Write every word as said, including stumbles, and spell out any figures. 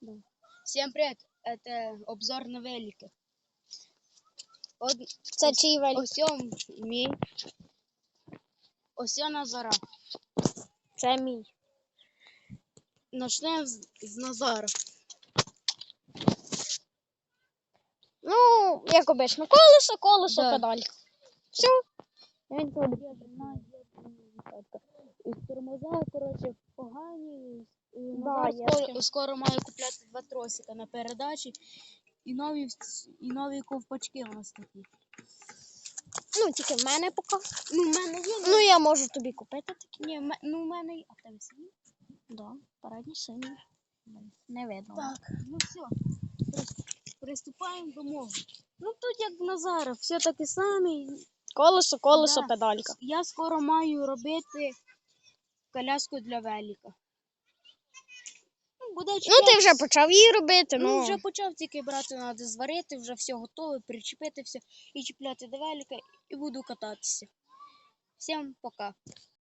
Да. Всем привет! Это обзор на велики. От, Це чий велик? Ось он мій. Ось он Назара. Це мій. Начнемо з, з Назара. Ну, як обично, колесо, колесо, Да. педалька. Все. Він тут. І тормоза, коротше, погані. І Да, Назар є скоро, таке. скоро має купляти два тросика на передачі. І нові, і нові ковпачки у нас такі. Ну, тільки в мене поки. Ну, в мене є. Ну, я можу тобі купити такі. Ні, в ме- ну, в мене є. А в тебе сині? Да, передні сині. Не видно. Так, ну все, приступаємо до мого. Ну тут як в Назара, все таке саме. Колесо, колесо, Да. педалька. Я скоро маю робити коляску для велика. Ну, буде Ну, чіпляти- ти вже почав її робити, Ну, ну. вже почав, тільки брати треба зварити, вже все готове, причепити все і чіпляти до велика, і буду кататися. Всім пока.